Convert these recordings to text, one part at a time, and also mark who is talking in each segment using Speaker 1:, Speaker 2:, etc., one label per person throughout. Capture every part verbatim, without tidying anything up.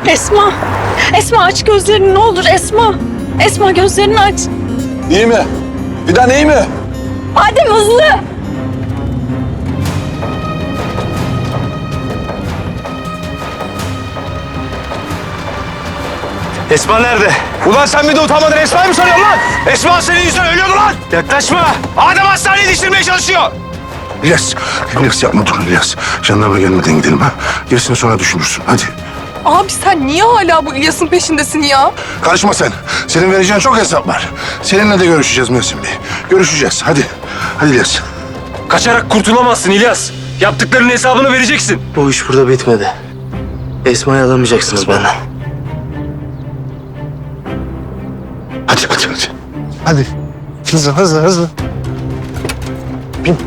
Speaker 1: Esma. Esma aç gözlerini ne olur Esma. Esma gözlerini aç.
Speaker 2: İyi mi? Fidan iyi mi?
Speaker 1: Adem hızlı.
Speaker 3: Esma nerede? Ulan sen bir de utanmadın Esma'yı mı sanıyorsun lan? Esma senin yüzünden ölüyordu lan! Yaklaşma! Adem hastaneye yetiştirmeye çalışıyor!
Speaker 4: İlyas, İlyas yapma dur İlyas. Jandarma gelmeden gidelim ha. Gerisini sonra düşünürsün. Hadi.
Speaker 5: Abi sen niye hala bu İlyas'ın peşindesin ya?
Speaker 4: Karışma sen. Senin vereceğin çok hesap var. Seninle de görüşeceğiz Mersin Bey. Görüşeceğiz. Hadi. Hadi İlyas.
Speaker 3: Kaçarak kurtulamazsın İlyas. Yaptıklarının hesabını vereceksin.
Speaker 6: Bu iş burada bitmedi. Esma'yı alamayacaksınız benden.
Speaker 4: Hadi hadi hadi. Hadi. Hızlı hızlı hızlı. Bin.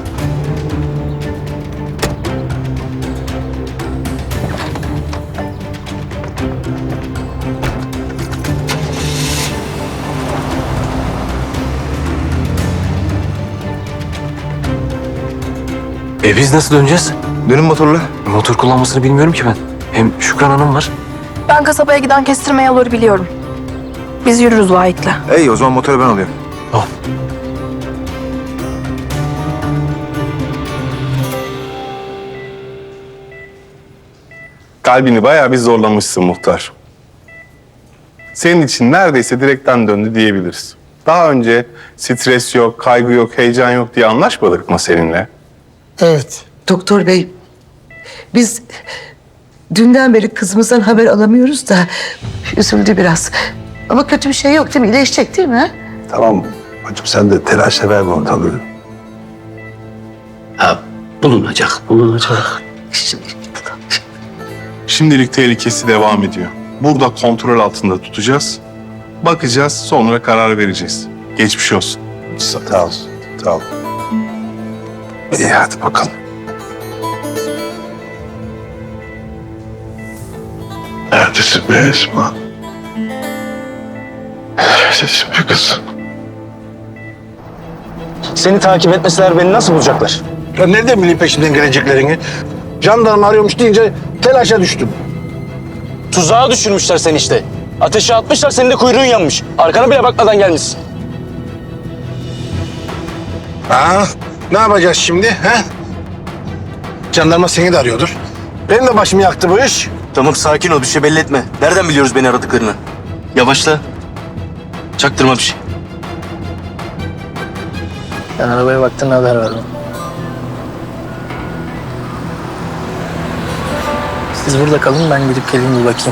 Speaker 3: E biz nasıl döneceğiz?
Speaker 4: Dönün motorla.
Speaker 3: Motor kullanmasını bilmiyorum ki ben. Hem Şükran Hanım var.
Speaker 5: Ben kasabaya giden kestirme yolları biliyorum. Biz yürürüz Vahit'le.
Speaker 4: İyi o zaman motoru ben alıyorum.
Speaker 3: Tamam.
Speaker 7: Kalbini bayağı bir zorlamışsın muhtar. Senin için neredeyse direkten döndü diyebiliriz. Daha önce stres yok, kaygı yok, heyecan yok diye anlaşmadık mı seninle?
Speaker 8: Evet.
Speaker 9: Doktor bey, biz dünden beri kızımızdan haber alamıyoruz da üzüldü biraz. Ama kötü bir şey yok değil mi? İyileşecek değil mi?
Speaker 4: Tamam. Bacım sen de telaşla verme ortalığı.
Speaker 6: Ha, bulunacak, bulunacak.
Speaker 9: Şimdi,
Speaker 7: Şimdilik tehlikesi devam ediyor. Burada kontrol altında tutacağız. Bakacağız, sonra karar vereceğiz. Geçmiş olsun.
Speaker 4: Sağ ol. Sağ ol. İyi hadi bakalım. Neredesin be Esma? Neredesin be kızım?
Speaker 6: Seni takip etmeseler beni nasıl bulacaklar?
Speaker 4: Ya nereden bileyim peşimden geleceklerini? Jandarma arıyormuş deyince telaşa düştüm.
Speaker 6: Tuzağa düşürmüşler seni işte. Ateşe atmışlar, senin de kuyruğun yanmış. Arkana bile bakmadan gelmişsin.
Speaker 4: Ha? Ne yapacağız şimdi? He? Jandarma seni de arıyordur. Benim de başımı yaktı bu iş.
Speaker 6: Tamam, sakin ol, bir şey belli etme. Nereden biliyoruz beni aradıklarını? Yavaşla. Çaktırma bir şey.
Speaker 8: Sen arabaya baktın haber ver. Siz burada kalın, ben gidip geleyim bir bakayım.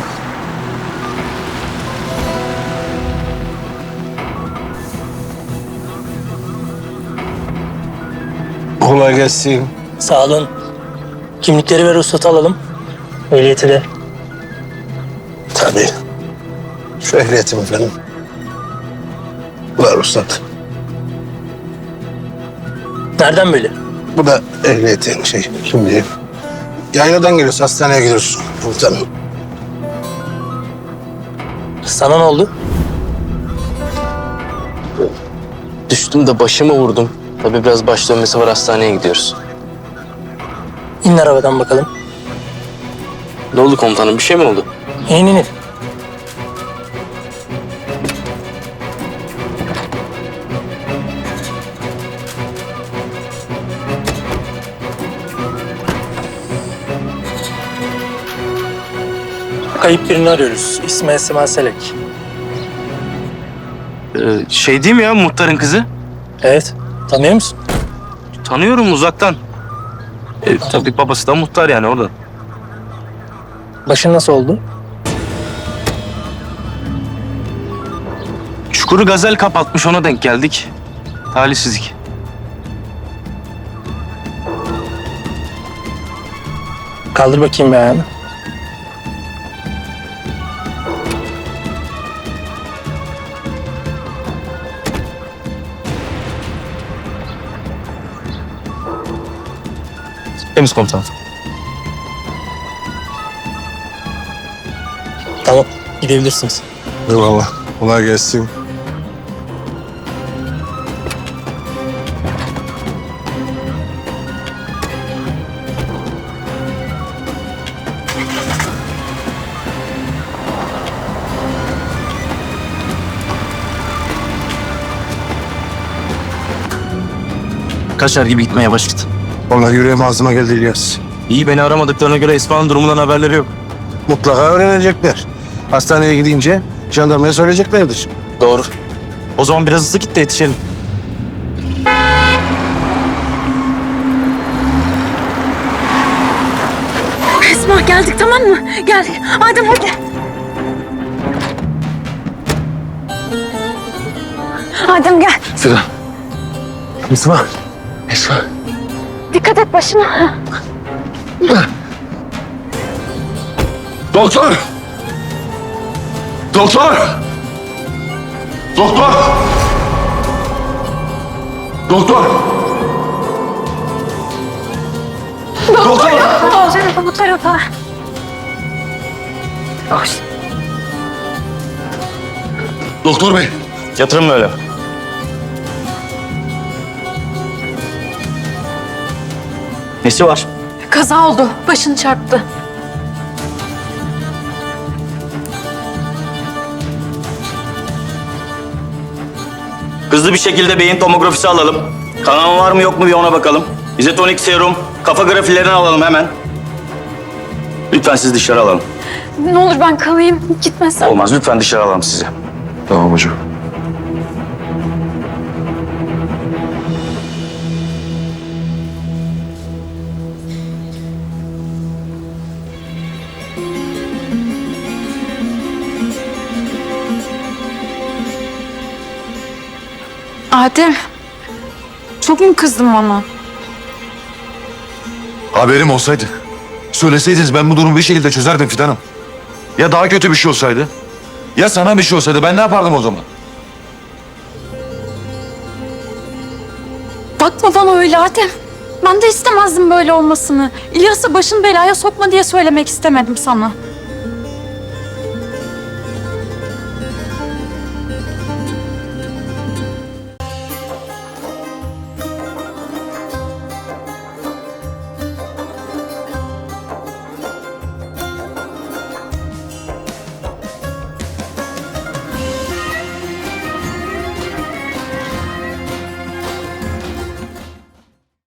Speaker 4: Kolay gelsin.
Speaker 8: Sağ olun. Kimlikleri ve ruhsatı alalım. Ehliyeti de.
Speaker 4: Tabii. Şu ehliyetim efendim. Bu da ruhsat.
Speaker 8: Nereden böyle?
Speaker 4: Bu da ehliyetin şey. Şimdi yayladan geliyoruz, hastaneye gidiyoruz. Komutanım.
Speaker 8: Sana ne oldu?
Speaker 6: Düştüm de başımı vurdum. Tabii biraz baş dönmesi var, hastaneye gidiyoruz.
Speaker 8: İn arabadan bakalım.
Speaker 6: Ne oldu komutanım, bir şey mi oldu?
Speaker 8: İn in in. Kayıp birini arıyoruz. İsmi Esma Selek.
Speaker 6: Ee, şey değil mi ya, muhtarın kızı?
Speaker 8: Evet. Tanıyor musun?
Speaker 6: Tanıyorum uzaktan. Ee, tabii babası da muhtar yani orada.
Speaker 8: Başın nasıl oldu?
Speaker 6: Çukuru gazel kapatmış, ona denk geldik. Talihsizlik.
Speaker 8: Kaldır bakayım bir ayağını.
Speaker 6: Temiz komutanım.
Speaker 8: Tamam. Gidebilirsiniz.
Speaker 4: Eyvallah. Kolay gelsin.
Speaker 6: Kaşar gibi gitmeye başladı.
Speaker 4: Vallahi yüreğim ağzıma geldi İlyas.
Speaker 6: İyi, beni aramadıklarına göre Esma'nın durumundan haberleri yok.
Speaker 4: Mutlaka öğrenecekler. Hastaneye gidince jandarmaya söyleyeceklerdir.
Speaker 6: Doğru. O zaman biraz hızlı git de yetişelim.
Speaker 1: Esma geldik tamam mı? Geldik. Adem hadi. Adem gel.
Speaker 4: Fidan. Esma. Esma.
Speaker 1: Dikkat et başına.
Speaker 2: Doktor! Doktor! Doktor! Doktor! Doktor!
Speaker 1: O tarafa bu tarafa.
Speaker 2: Doktor bey!
Speaker 6: Yatırın böyle. Nesi var?
Speaker 1: Kaza oldu. Başını çarptı.
Speaker 6: Hızlı bir şekilde beyin tomografisi alalım. Kanama var mı yok mu bir ona bakalım. İzotonik serum, kafa grafilerini alalım hemen. Lütfen sizi dışarı alalım.
Speaker 1: Ne olur ben kalayım. Gitmesen.
Speaker 6: Olmaz, lütfen dışarı alalım sizi.
Speaker 2: Tamam hocam.
Speaker 1: Adem. Çok mu kızdın bana?
Speaker 2: Haberim olsaydı. Söyleseydiniz ben bu durumu bir şekilde çözerdim Fidan'ım. Ya daha kötü bir şey olsaydı? Ya sana bir şey olsaydı ben ne yapardım o zaman?
Speaker 1: Bakma bana öyle Adem. Ben de istemezdim böyle olmasını. İlyas'ı başın belaya sokma diye söylemek istemedim sana.